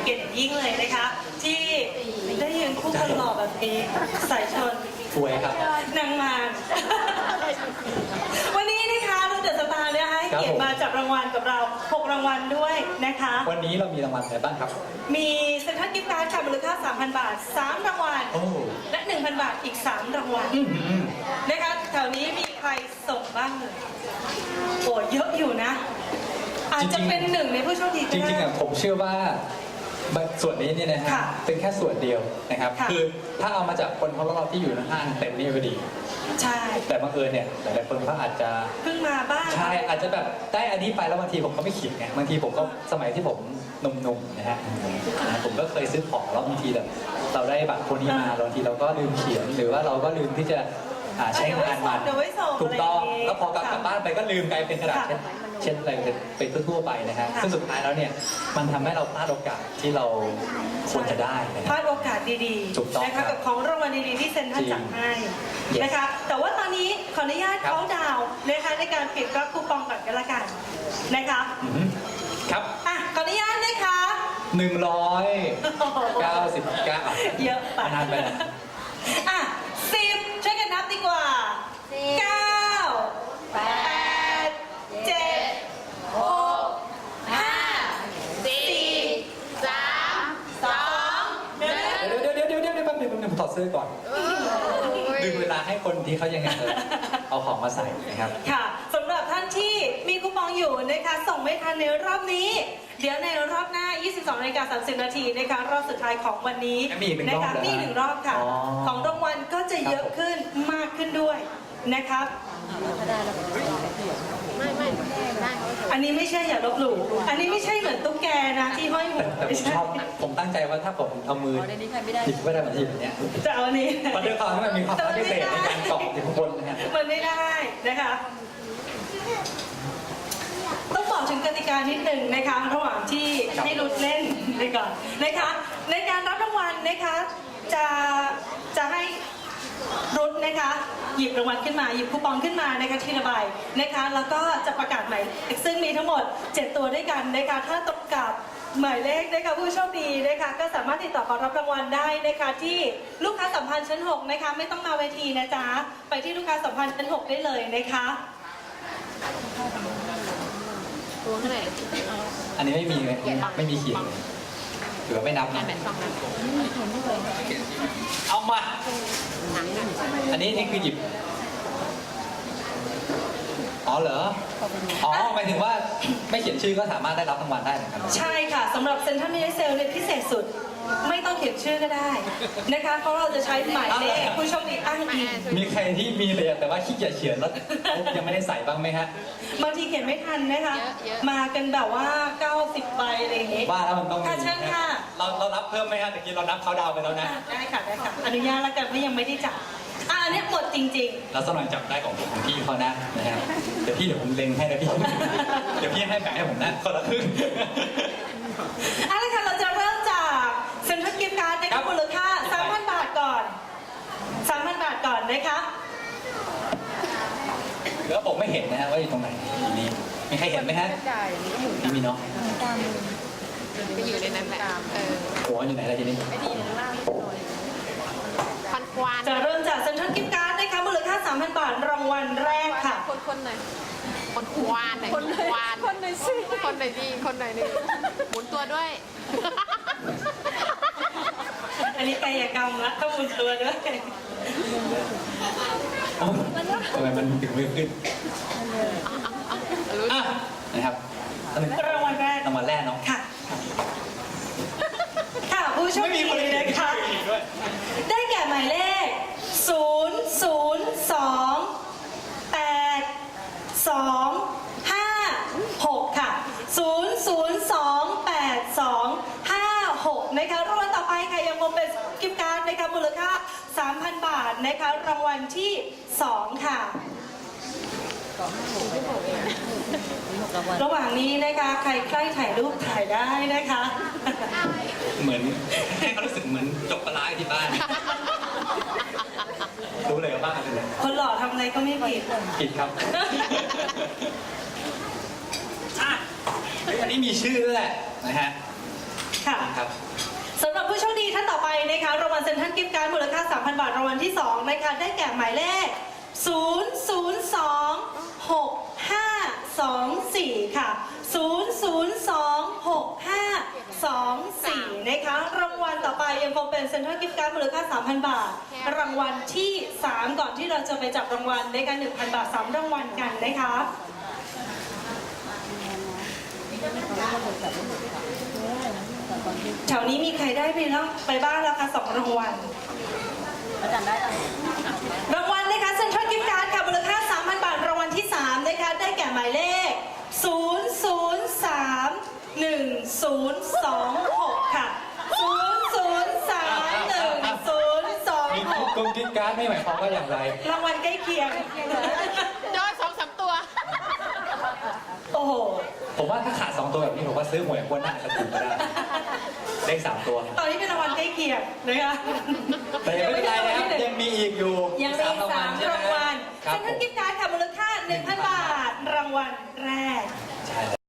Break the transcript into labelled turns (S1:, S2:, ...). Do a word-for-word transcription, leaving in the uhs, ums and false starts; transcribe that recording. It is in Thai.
S1: เกียรติยิ่งเลยนะคะที่ได้ยืนคู่คนหล่อแบบนี้สายชน
S2: สวยครับ
S1: นางมารวันนี้นะคะเราเดอะสตาร์เนี่ยให้เกียรติมาจับรางวัลกับเราหกรางวัลด้วยนะคะ
S2: วันนี้เรามีรางวัลอะไรบ้างครับ
S1: มีเซ็นทรัลกิฟต์การ์ดค่ะมูลค่า สามพัน บาทสามรางวัล
S2: โอ้
S1: และ หนึ่งพัน บาทอีกสามรางวัล
S2: อื้อหือ
S1: นะคะแถวนี้มีใครส่งบ้างเลยโอ้เยอะอยู่นะ อาจจะเป็นหนึ่งในผู้โชคดีก็
S2: จ
S1: ได้
S2: ริงๆอ่ะผมเชื่อว่าส่วนนี้เนี่ยนะฮะ
S1: ค่ะ
S2: เป็นแค่ส่วนเดียวนะครับ
S1: ค่ะ
S2: คือถ้าเอามาจากคนของเราที่อยู่ในห้างเต็มนี่ก็ดี
S1: ใช่
S2: แต่บังเอิญเนี่ยหลายๆคนก็อาจจะ
S1: เพิ่งมาบ้าง
S2: ใช่อาจจะแบบได้อันนี้ไปแล้วบางทีผมก็ไม่ขิดไงบางทีผมก็สมัยที่ผมหนุ่มๆนะฮะนะผมก็เคยซื้อของแล้วบางทีแบบเราได้บัตรพวกนี้มาบางทีเราก็ลืมเขียนหรือว่าเราก็ลืมที่จะอ่าใช้งานมัน
S1: เดี๋ยวไว้ส่ง
S2: ถูกต้อง
S1: อะไรอย่างงี้
S2: แล้วพอกลับกลับบ้านไปก็ลืมกลายเป็นกระดาษ
S1: ค่ะ
S2: เช่นเช่นอะไรเป็นทั่วๆไปนะฮะ
S1: ค่ะ
S2: ซึ่งสุดท้ายแล้วเนี่ยมันทำให้เราพลาดโอกาสที่เราควรจะได้นะ
S1: พ
S2: ฮะ
S1: ลาดโอกาสดี
S2: ถูกต้อง
S1: ๆนะ
S2: ครั
S1: คะ
S2: บ
S1: กับของรางวัลดีๆที่เซ็นทรัลจัดให้
S2: Yes
S1: นะคะ แต่ว่าตอนนี้ขออนุญาต
S2: ครับ
S1: เขาดาวน์นะคะในการปิดรับคูปองก่อนกันละกันนะคะ
S2: อืมครับ
S1: อ่ะขออนุญาตนะคะ
S2: หนึ่งร้อยเก้าสิบเก้า
S1: เยอะไป
S2: นานไปนะ
S1: อ่ะสิบช่วยกันนับดีกว่าเก้าแปดเจ็ดหกห้าสี่สามสองหนึ่ง
S2: เดี๋ยวเดี๋ยวเดี๋ยวเดี๋ยวเดี๋ยวแป๊บนึงแป๊บนึงผมถอดเสื้อก่อนดึงเวลาให้คนที่เขายังไงเออเอาของมาใส่นะครับ
S1: ค่ะสำหรับท่านที่มีคูปองอยู่นะคะส่งไม่ทันในรอบนี้ เดี๋ยวในรอบหน้า ยี่สิบสองนาฬิกาสามสิบนาทีนะคะรอบสุดท้ายของวันนี้
S2: มีอีกหนึ่งรอบ
S1: นะคะ
S2: เหรอฮะ
S1: มีหนึ่งรอบค่ะ
S2: อ๋อ
S1: ของรางวัลก็จะเยอะขึ้นมากขึ้นด้วยนะครับ
S3: ไม่ไม่ได้เขา
S1: อันนี้ไม่ใช่อย่าลบหลู่อันนี้ไม่ใช่เหมือนตุ๊กแกนะที่ห้อยหั
S2: แต่
S1: ว
S2: แต่ผมชอบผมตั้งใจว่าถ้าผมเอามือหยิบก็ได้เหมือนที่แบบเนี้ย
S1: จะเอาอันนี้
S2: เพราะด้วยความที่มันมีความพิเศษในการเกาะอยู่ข้างบนนะฮะ
S1: มันไม่ได้นะคะ ต้องบอกถึงกติกานิดหนึ่งนะคะระหว่างที่ให้รุดเล่นไปก่อนนะคะในการรับรางวัลนะคะจะจะให้รุดนะคะหยิบรางวัลขึ้นมาหยิบคูปองขึ้นมานะคะทีละใบนะคะแล้วก็จะประกาศหมายซึ่งมีทั้งหมดเจ็ดตัวด้วยกันนะคะถ้าตรงกับหมายเลขนะคะผู้โชคดีนะคะก็สามารถติดต่อขอรับรางวัลได้นะคะที่ลูกค้าสัมพันธ์ชั้นหกนะคะไม่ต้องมาเวทีนะจ๊ะไปที่ลูกค้าสัมพันธ์ชั้นหกได้เลยนะคะ
S3: ตัวเท่าไหร่
S2: อันนี้ไม่มีเลยไม่มีเขียนเลยหรือว่าไม่นับนะ
S3: แปดสองนะ
S2: เอามา
S3: หนังนะ
S2: อันนี้นี่คือหยิบ อ๋อเหรอ อ๋อหมายถึงว่าไม่เขียนชื่อก็สามารถได้รับรางวัลได้เหมือนกันเหรอ
S1: ใช่ค่ะสำหรับเซ็นทรัลมินิเซลเนี่ยพิเศษสุดไม่ต้องเขียนชื่อก็ได้นะคะเพราะเราจะใช้หมายเลขผู้โชคดีอ้างอิง
S2: มีใครที่มีเลยอะแต่ว่าขี้เกียจเขียนแล้วยังไม่ได้ใส่บ้างไหมฮะ
S1: บางทีเขียนไม่ทันนะคะ มากันแบบว่าเก้าสิบใบอะไรอย่างงี้
S2: ว่าแล้วมันต้องมี
S1: ค่ะเชิญค่ะ
S2: เราเรารับเพิ่มไหมฮะตะกี้เรานับเขาดาวน์ไปแล้วนะ
S1: ได้ค่ะได้ค่ะอนุญาตแล้วกันเพราะยังไม่ได้จับอ่ะอันเนี้ยหมดจริง
S2: แล้วสมัยจับได้ของผมของพี่เขานะนะฮะเดี๋ยวพี่เดี๋ยวผมเล็งให้นะพี่ เดี๋ยวพี่ให้แบ่งให้ผมนะคนละครึ่ง
S1: ๆเอาละค่ะเราจะเริ่มจากเซ็นทรัลกิฟต์การ์ดนะ
S2: ครั
S1: คะ
S2: บ
S1: มูลค่า สามพัน บาทก่อน สามพัน บาทก่อนนะคะ
S2: เดี๋ยวผมไม่เห็นนะฮะว่าอยู่ตรงไหนนี่มีใครเห็นไหมฮะไม่มีเนาะ
S3: ไปอยู่ในนั้นแหละเออ
S2: โอ้อยู่ไหนล่ะทีนี้
S3: พันควาน
S1: จะเริ่มจากเซ็นทรัลกิฟต์การ์ดนะคะมูลค่า สามพัน บาทรางวัลแรกค่ะ
S3: คนคนหน่อยคนควานหน่อยคนควานคนหน่อยสิคนหน่อยดีคนหน่อยนี่หมุนตัวด้วย
S1: อันนี้กายกรรมละต้องหมุนตัวด้วย
S2: เอ้าทำไมมันถึงไม่ขึ้น
S3: รู้
S2: อ่ะนะครับอันหนึ่ง
S1: รางวัลแรก
S2: รางวัลแรกเนาะ
S1: ค่ะ ค่ะผู้โชค
S2: ไม่มี
S1: ดี
S2: คนเขียน
S1: นะคะ
S2: ชื่ออีกด้วย
S1: ได้แก่หมายเลข ศูนย์ ศูนย์ สอง แปด สอง ห้า หก ค่ะ ศูนย์ ศูนย์ สอง แปด สอง ห้า หก นะคะรางวัลต่อไปค่ะยังคงเป็นกิฟต์การ์ดนะคะมูลค่า สามพัน บาทนะคะรางวัลที่ สอง ค่ะ ระหว่างนี้นะคะใครใกล้ถ่ายรูปถ่ายได้นะคะ
S2: เหมือนให้เขารู้สึกเหมือนจบปลาร้าที่บ้าน รู้เลยว่าบ้านเป็นอะไร
S1: คนหล่อทำอะไรก็ไม่ผิด
S2: ผิดครับอ่ะเฮ้ยอันนี้มีชื่อด้วยแหละนะฮะ
S1: ค่ะ
S2: ครับ
S1: สำหรับผู้โชคดีท่านต่อไปนะคะรางวัลเซ็นทรัลกิฟต์การ์ดมูลค่า สามพัน บาทรางวัลที่สองนะคะได้แก่หมายเลข ศูนย์ ศูนย์ สอง หก ห้า สอง สี่ ค่ะ ศูนย์ ศูนย์ สอง หก ห้า สอง สี่ นะคะรางวัลต่อไปยังคงเป็นเซ็นทรัลกิฟต์การ์ดมูลค่า สามพัน บาท รางวัลที่สามก่อนที่เราจะไปจับรางวัลในการ หนึ่งพัน บาทสามรางวัลกันนะคะแถวนี้มีใครได้ไปแล้วไปบ้างแล้วคะสองรางวัลอาจารย์ได้รางวัลนะคะเซ็นทรัลกิฟต์การ์ดค่ะมูลค่า สามพัน บาทรางวัลที่สามนะคะได้แก่หมายเลข ศูนย์ ศูนย์ สาม หนึ่ง ศูนย์ สอง หก ค่ะ ศูนย์ ศูนย์ สาม หนึ่ง ศูนย์ สอง
S2: มี
S1: หก
S2: กลมกิ๊กการ์ดไม่หมายความว่าอย่างไร
S1: รางวัลใกล้เคียง
S3: ยอดสองสามตัว
S1: โอ้โห
S2: ผมว่าถ้าขาดสองตัวแบบนี้ผมว่าซื้อหวยวันหน้าจะถูกก็ได้เลขสามตัว
S1: ตอนนี้เป็นรางวัลใกล้เคียงนะคะ
S2: แต่ยังไม่เป็นไรนะครับยังมีอีกอยู่
S1: ยังมีสาม
S2: ใช่ไห
S1: รางวัล
S2: ครั
S1: เซ็
S2: บ
S1: นท
S2: ผ
S1: รัล
S2: ม
S1: กิฟต์การ์ดค่ะมูลค่า หนึ่งพัน บาท รางวัลแรก
S2: ใช่